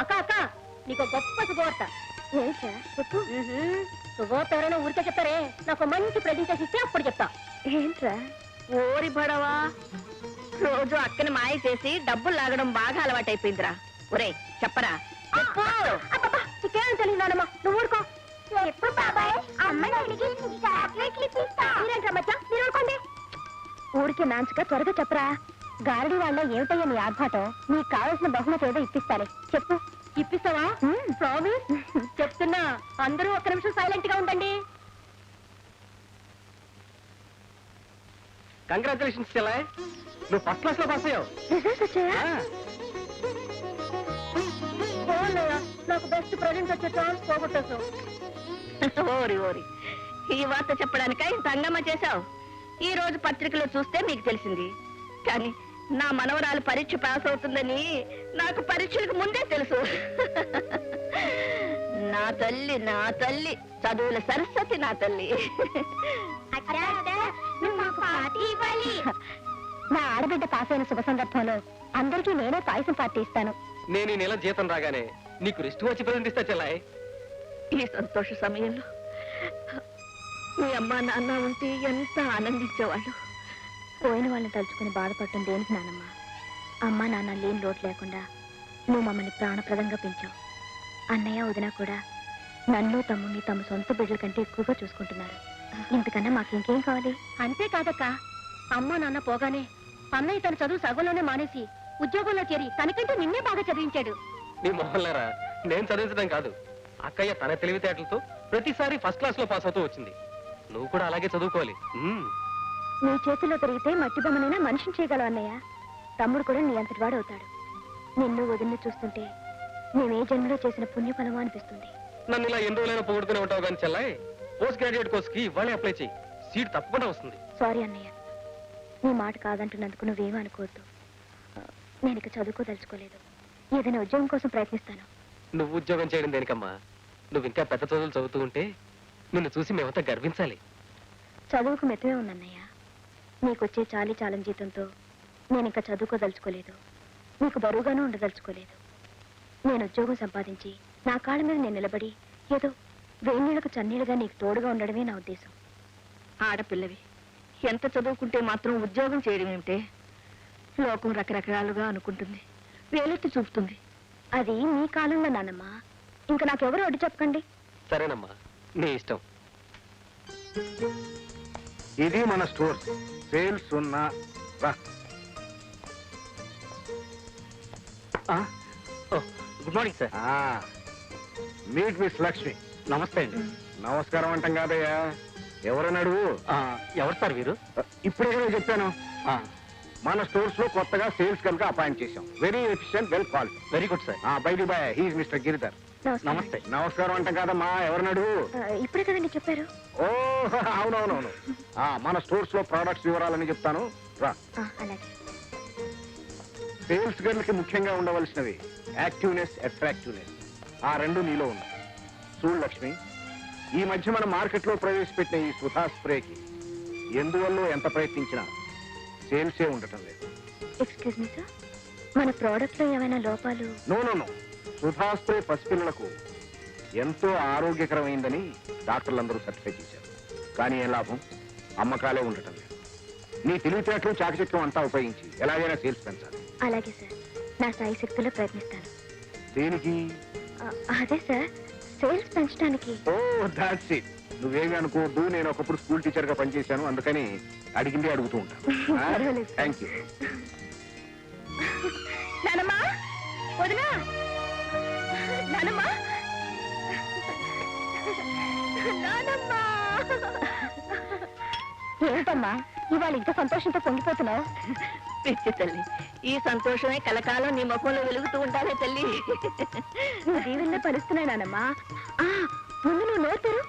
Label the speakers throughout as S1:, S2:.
S1: అక్క అక్క నీకు గొప్ప శుభవార్త. ఏంటా చెప్పు. శుభవార్త ఎవరైనా ఊరికే చెప్తారే, నాకు మంచి ప్రెజెంటేషన్ ఇస్తే అప్పుడు చెప్తా. ఏంట్రా? ఓరి బడవా, రోజు అక్కని మాయ చేసి డబ్బులు లాగడం బాగా అలవాటైపోయిందిరా. ఒరే చెప్పరా. నీకేం తెలియదానమ్మా, నువ్వు ఊరుకో. ఎప్పుడు బాబాయ్ ఊరికే నాంచుగా త్వరగా చెప్పరా. గారడి వాళ్ళ ఏమిటయ్యా నీ ఆర్భాటం? నీకు కావాల్సిన బహుమతి ఏదో ఇప్పిస్తాలే, చెప్పు. ఇప్పిస్తావా? ప్రామిస్. చెప్తున్నా, అందరూ ఒక్క నిమిషం సైలెంట్ గా ఉండండి.
S2: కంగ్రాచులేషన్స్ చెల్లాయ్, నువ్వు ఫస్ట్ క్లాస్ లో పాస్ అయ్యావు.
S1: రిజల్ట్స్ వచ్చాయా? నాకు బెస్ట్ ప్రెజెంట్ వచ్చే ఛాన్స్ పోగొట్టేసావు. ఓరి ఓరి, ఈ వార్త చెప్పడానిక ఇంత హంగామా చేశావు. ఈ రోజు పత్రికలో చూస్తే మీకు తెలిసింది. కానీ నా మనవరాలు పరీక్ష పాస్ అవుతుందని నాకు పరీక్షలకు ముందే తెలుసు. నా తల్లి నా తల్లి, చదువుల సరస్వతి నా తల్లి. నా ఆడబిడ్డ పాస్ అయిన శుభ సందర్భంలో అందరికీ నేనే పాయసం పార్టీ ఇస్తాను.
S2: నేను ఈ నెల జీతం రాగానే నీకు రిస్ట్ వచ్చి ప్రజెంట్ ఇస్తా చెల్లాయ్.
S1: ఈ సంతోష సమయంలో మీ అమ్మా నాన్న ఉంటే ఎంత ఆనందించేవాళ్ళు. పోయిన వాళ్ళని తలుచుకుని బాధపడటం దేనికి నానమ్మా? అమ్మా నాన్న లేని లోటు లేకుండా నువ్వు మమ్మల్ని ప్రాణప్రదంగా పెంచావు. అన్నయ్య వదిన కూడా నన్ను తమ్ముని తమ సొంత బిడ్డల కంటే ఎక్కువగా చూసుకుంటున్నారు. ఇంతకన్నా మాకింకేం కావాలి? అంతేకాదక్క, అమ్మా నాన్న పోగానే అన్నయ్య తన చదువు సగంలోనే మానేసి ఉద్యోగంలో చేరి తనకంటే నిన్నే బాగా చదివించాడు.
S2: నీ మొహల్లారా, నేను చదివించడం కాదు, అక్కయ్య తన తెలివితేటలతో ప్రతిసారి ఫస్ట్ క్లాస్ లో పాస్ అవుతూ వచ్చింది. నువ్వు కూడా అలాగే చదువుకోవాలి.
S1: నీ చేతిలో పెరిగితే మట్టి బొమ్మనైనా మనిషిని చేయగలవు అన్నయ్య. తమ్ముడు కూడా నీ అంతటి వాడు అవుతాడు. నిన్ను వదిలిని చూస్తుంటే మేమే జన్మలో చేసిన పుణ్యఫలమో అనిపిస్తుంది.
S2: నన్ను ఇలా ఎన్ని రోజులైనా పొగుడుతూనే ఉంటావు కానీ చెల్లాయ్, పోస్ట్ గ్రాడ్యుయేట్ కోర్స్ కి ఇవాళే అప్లై చేయి, సీట్ తప్పకుండా వస్తుంది.
S1: సారీ అన్నయ్య, నీ మాట కాదంటున్నందుకు నువ్వేమీ అనుకోవద్దు. నేను ఇక చదువుకోదలుచుకోలేదు. ఏదైనా ఉద్యోగం కోసం ప్రయత్నిస్తాను.
S2: నువ్వు ఉద్యోగం చేయడం దేనికమ్మా? నువ్వు ఇంకా పెద్ద చదువులు చదువుతూ ఉంటే నిన్ను చూసి మేమంతా గర్వించాలి.
S1: చదువుకు మెత్తమే ఉందన్నయ్య. నీకొచ్చే చాలీ చాలని జీతంతో నేను ఇంకా చదువుకోదలుచుకోలేదు. నీకు బరువుగానూ ఉండదలుచుకోలేదు. నేను ఉద్యోగం సంపాదించి నా కాళ్ళ మీద నేను నిలబడి ఏదో వేణీళ్లకు చన్నీళ్ళుగా నీకు తోడుగా ఉండడమే నా ఉద్దేశం. ఆడపిల్లవి ఎంత చదువుకుంటే మాత్రం ఉద్యోగం చేయడం ఏమిటే? లోకం రకరకాలుగా అనుకుంటుంది, వేలెత్తి చూపుతుంది. అది మీ కాలంలో నానమ్మా. ఇంకా నాకెవరు అడ్డు చెప్పకండి.
S2: సరేనమ్మా, నీ ఇష్టం.
S3: ఇది మన స్టోర్. సేల్స్ ఉన్నా
S2: good morning sir.
S3: Meet miss Lakshmi.
S2: నమస్తే అండి.
S3: నమస్కారం అంటాం కాదయ్యా, ఎవరని అడుగు.
S2: ఎవరు సార్ వీరు?
S3: ఇప్పుడే కదా చెప్పాను, మన స్టోర్స్ లో కొత్తగా సేల్స్ కనుక అపాయింట్ చేశాం. Very efficient, well quality.
S2: Very good sir.
S3: By the by, he is mister Giridhar.
S2: నమస్తే.
S3: నమస్కారం అంటాం కాదమ్మా, ఎవరిని అడుగు.
S1: ఇప్పుడే కదండి చెప్పారు.
S3: ఓ అవునవునవును, మన స్టోర్స్ లో ప్రొడక్ట్స్ వివరాలని చెప్తాను రా.
S1: అలాగే.
S3: సేల్స్ గర్ల్కి ముఖ్యంగా ఉండవలసినవి యాక్టివ్నెస్, అట్రాక్టివ్నెస్. ఆ రెండు నీలో ఉన్నాయి. చూడు లక్ష్మి, ఈ మధ్య మన మార్కెట్లో ప్రవేశపెట్టిన ఈ సుధా స్ప్రేకి ఎందువల్ల ఎంత ప్రయత్నించినా సేల్సే ఉండటం లేదు.
S1: ఎక్స్క్యూజ్ మీ సార్, మన ప్రోడక్ట్ లో ఏమైనా లోపాలు?
S3: No no no, Sudha spray పసిపిల్లలకు ఎంతో ఆరోగ్యకరమైందని డాక్టర్లందరూ సర్టిఫై చేశారు. కానీ ఏ లాభం? అమ్మకాలే ఉండటం లేదు. నీ తెలివితేటలు చాకచక్యం అంతా ఉపయోగించి ఎలాగైనా సేల్స్ పెంచాలి.
S1: అలాగే సార్, నా సాయి శక్తిలో ప్రయత్నిస్తాను.
S3: దేనికి?
S1: అదే సార్, సేల్స్ పెంచడానికి.
S3: Oh that's it. నువ్వేమి అనుకోవద్దు, నేను ఒకప్పుడు స్కూల్ టీచర్ గా పనిచేశాను, అందుకని అడిగింది అడుగుతూ ఉంటాను. Thank you.
S1: నానమ్మా, వదినా, నానమ్మా, నానమ్మా. ఏమిటమ్మా ఇవాళ ఇంత సంతోషంతో పొంగిపోతున్నావు? పిచ్చి తల్లి, ఈ సంతోషమే కలకాలం నీ ముఖంలో వెలుగుతూ ఉండాలే తల్లి. నువ్వు దీవెల్లో పలుస్తున్నాయి నానమ్మా. ముందు నువ్వు నోరుతారు.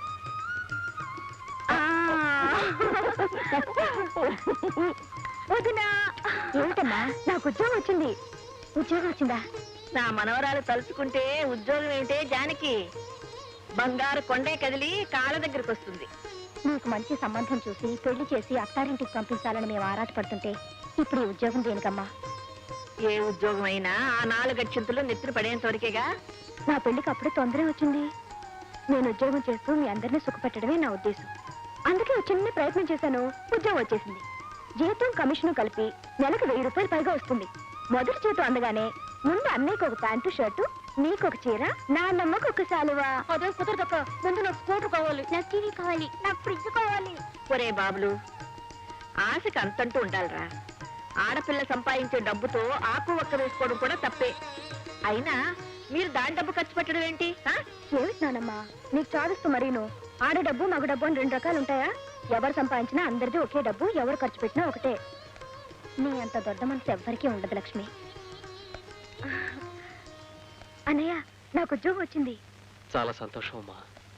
S1: వదినా. ఏమిటమ్మా, నాకు ఉద్యోగం వచ్చింది. ఉద్యోగం వచ్చిందా? నా మనవరాలు తలుచుకుంటే ఉద్యోగం ఏమిటే జానకి? బంగారు కొండే కదిలి కాళ్ళ దగ్గరకు వస్తుంది. నీకు మంచి సంబంధం చూసి పెళ్లి చేసి అత్తారింటికి పంపించాలని మేము ఆరాటపడుతుంటే ఇప్పుడు ఈ ఉద్యోగం దేనికమ్మా? ఏ ఉద్యోగం అయినా ఆ 4 అక్షంతులు నెత్తురు పడేంత వరకేగా.
S4: నా పెళ్లికి అప్పుడే తొందర వచ్చింది. నేను ఉద్యోగం చేస్తూ మీ అందరినీ సుఖపెట్టడమే నా ఉద్దేశం. అందుకే ఒక చిన్న ప్రయత్నం చేశాను, ఉద్యోగం వచ్చేసింది. జీతం కమిషన్ కలిపి నెలకు 1000 రూపాయలు పైగా వస్తుంది. మొదటి జీతం అందగానే ముందు అన్నయ్యకి ఒక ప్యాంటు షర్టు, నీకు ఒక చీర, నాన్నమ్మకు ఒక శాలువా. అదే కుదరదక్క, ముందు నాకు స్కూటర్ కావాలి, నాకు టీవీ కావాలి, నాకు ఫ్రిడ్జ్ కావాలి.
S1: ఒరే బాబులు, ఆశకి అంతంటూ ఉండాలిరా. ఆడపిల్ల సంపాదించే డబ్బుతో ఆకు ఒక్క వేసుకోవడం కూడా తప్పే. అయినా మీరు దాని డబ్బు ఖర్చు పెట్టడం ఏంటి?
S4: ఏమిటి నానమ్మా నీకు చాదిస్తూ మరీను? ఆడ డబ్బు మగ డబ్బు అని 2 రకాలు ఉంటాయా? ఎవరు సంపాదించినా అందరిది ఒకే డబ్బు, ఎవరు ఖర్చు పెట్టినా ఒకటే. నీ అంత దొడ్డ మనసు ఎవ్వరికీ ఉండదు లక్ష్మి. అన్నయ్య, నాకు ఉద్యోగం వచ్చింది.
S2: చాలా సంతోషం అమ్మా.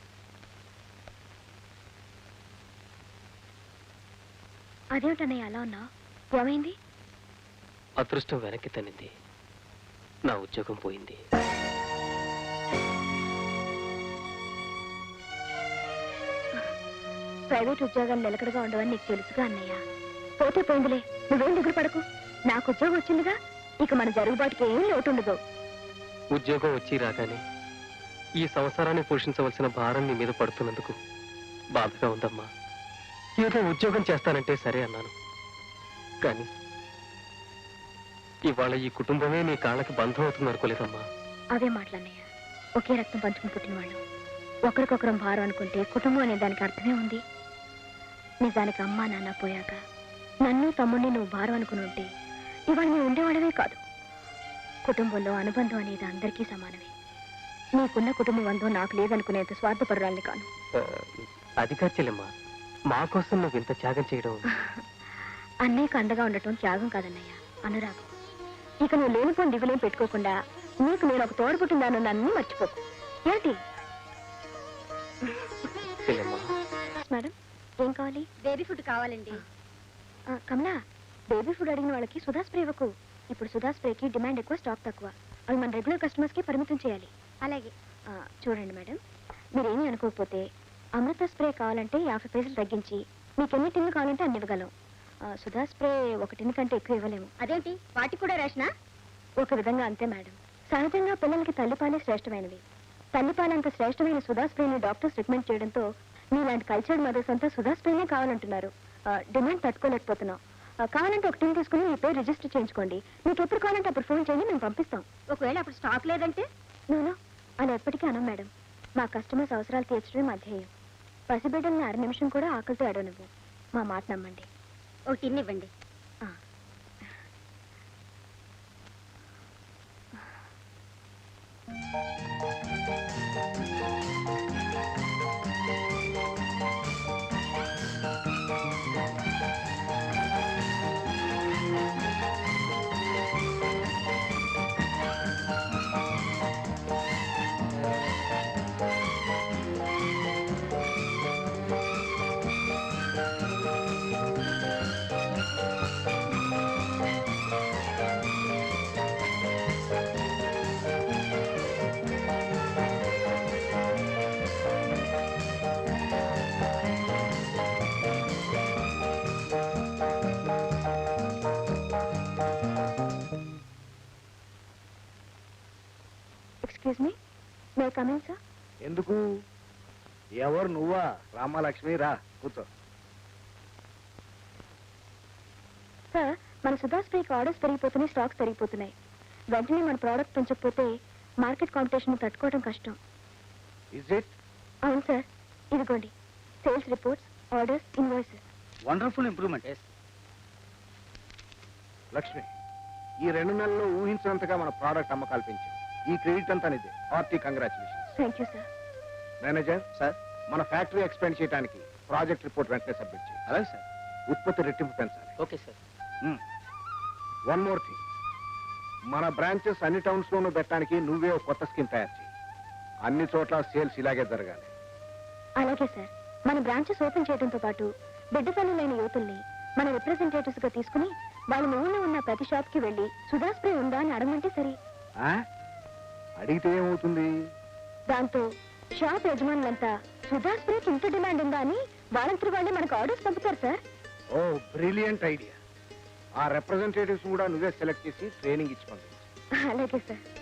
S4: అదేమిటన్నయ్య అలా ఉన్నా? ఏమైంది?
S2: అదృష్టం వెనక్కి తన్నింది, నా ఉద్యోగం పోయింది.
S4: ప్రైవేట్ ఉద్యోగాలు నిలకడగా ఉండవని నీకు తెలుసుగా అన్నయ్య. పోతే పోయిందిలే, నువ్వేం దిగులు పడకు. నాకు ఉద్యోగం వచ్చిందిగా, ఇక మన జరుగుబాటుకి ఏం లోటు ఉండదు.
S2: ఉద్యోగం వచ్చి రాగానే ఈ సంసారాన్ని పోషించవలసిన భారం నీ మీద పడుతున్నందుకు బాధగా ఉందమ్మా. ఏదో ఉద్యోగం చేస్తానంటే సరే అన్నాను, కానీ ఇవాళ ఈ కుటుంబమే నీ కాళ్ళకి బంధం అవుతుంది అనుకోలేదమ్మా.
S4: అవే మాటలన్నయ్య, ఒకే రక్తం పంచుకుని పుట్టిన వాళ్ళు ఒకరికొకరం భారం అనుకుంటే కుటుంబం అనే దానికి అర్థమే ఉంది. నిజానికి అమ్మా నాన్న పోయాక నన్ను తమ్ముడిని నువ్వు భారం అనుకుని ఉంటే ఇవాళ నువ్వు ఉండేవాడవే కాదు. కుటుంబంలో అనుబంధం అనేది అందరికీ సమానమే. నీకున్న కుటుంబ బంధం నాకు లేదనుకునేంత స్వార్థపరురాల్ని కాను.
S2: అది కాదు చెల్లెమ్మా, మా కోసం నువ్వు ఇంత త్యాగం చేయడం.
S4: అన్నయ్యకు అండగా ఉండటం త్యాగం కాదన్నయ్య, అనురాగం. ఇక నువ్వు లేనిపోని దిగులేం పెట్టుకోకుండా నీకు నేను ఒక తోడు పుట్టిందాను నన్ను మర్చిపోకు. ఏంటి
S2: చెల్లెమ్మా,
S4: మేడం ఏం కావాలి? బేబీ ఫుడ్ కావాలండి. కమలా, బేబీ ఫుడ్ అడిగిన వాళ్ళకి సుధా స్ప్రే ఇవ్వకు. ఇప్పుడు సుధా స్ప్రేకి డిమాండ్ ఎక్కువ, స్టాక్ తక్కువ. అవి మన రెగ్యులర్ కస్టమర్స్కి పరిమితం చేయాలి. అలాగే. చూడండి మేడం, మీరేమీ అనుకోకపోతే అమృత స్ప్రే కావాలంటే 50 పైసలు తగ్గించి మీకు ఎన్ని టిన్లు కావాలంటే అన్ని ఇవ్వగలం. సుధా స్ప్రే 1 టిన్ కంటే ఎక్కువ ఇవ్వలేము. అదేంటి, వాటికి కూడా రేషనా? ఒక విధంగా అంతే మేడం. సహజంగా పిల్లలకి తల్లిపాలే శ్రేష్టమైనవి. తల్లిపాలంత శ్రేష్టమైన సుధా స్ప్రేని డాక్టర్స్ రికమెండ్ చేయడంతో మీలాంటి కల్చర్డ్ మదర్స్ అంతా సుధా స్ప్రేనే కావాలంటున్నారు. డిమాండ్ తట్టుకోలేకపోతున్నాం. కావాలంటే 1 టిన్ తీసుకుని మీ పేరు రిజిస్టర్ చేయించుకోండి. మీకు ఎప్పుడు కావాలంటే అప్పుడు ఫోన్ చేయండి, మేము పంపిస్తాం. ఒకవేళ అప్పుడు స్టాక్ లేదంటే? నూనె అలా ఎప్పటికీ అనం మేడం. మా కస్టమర్స్ అవసరాలు తీర్చడమే మా ధ్యేయం. పసిబిడ్డల్ని 1 నిమిషం కూడా ఆకలితో అడవనివ్వు. మా మాట నమ్మండి. 1 టిన్ ఇవ్వండి. Excuse me, may come in sir?
S3: ఎందుకు? ఎవరు నువ్వా? రామాలక్ష్మి, రా కూర్చో.
S4: సార్, మన సుధా స్ప్రేకి ఆర్డర్స్ పెరిగిపోతున్నాయి, స్టాక్స్ పెరిగిపోతున్నాయి. వెంటనే మన ప్రోడక్ట్ పెంచకపోతే మార్కెట్ కాంపిటీషన్ తట్టుకోవడం కష్టం.
S3: Is it?
S4: అవును సార్, ఇదిగోండి sales reports, orders, invoices.
S3: Wonderful improvement. Lakshmi, ఈ 2 నెలల్లో ఊహించినంతగా మన ప్రోడక్ట్ అమ్మకాలు పెంచాం. ఈ క్రెడిట్ అంతా నిదే. Hearty congratulations.
S4: Thank you sir.
S3: Manager sir, మన ఫ్యాక్టరీ ఎక్స్పాండ్ చేయడానికి ప్రాజెక్ట్ రిపోర్ట్ వెంటనే సబ్మిట్ చేయి. అలాగే సార్. ఉత్పత్తి రెట్టింపు పెంచాలి.
S2: Okay sir.
S3: 1 మోర్ థింగ్, మన బ్రాంచెస్ అన్ని టౌన్స్ లోనూ పెట్టడానికి నువ్వే ఒక కొత్త స్కీమ్ తయారు చేయి. అన్ని చోట్ల సేల్స్ ఇలాగే జరగాలి.
S4: అలాగే సార్. మన బ్రాంచెస్ ఓపెన్ చేయడంతో పాటు బిడ్డ తల్లులైన యువతుల్ని మన రిప్రజెంటేటివ్స్ గా తీసుకుని వాళ్ళ ఊళ్ళో ఉన్న ప్రతి షాప్ కి వెళ్లి సుధా స్ప్రే ఉందా అని అడగమంటే సరే.
S3: అడిగితే ఏమవుతుంది?
S4: దాంతో షాప్ యజమానులంతా సుధా స్ప్రేకి ఇంత డిమాండ్ ఉందా అని వాళ్ళంతటి వాళ్ళే మనకు ఆర్డర్స్ పంపుతారు సార్.
S3: Oh, brilliant idea. ఆ రిప్రజెంటేటివ్స్ కూడా నువ్వే సెలెక్ట్ చేసి ట్రైనింగ్ ఇచ్చి పంపించు.
S4: అలాగే సార్.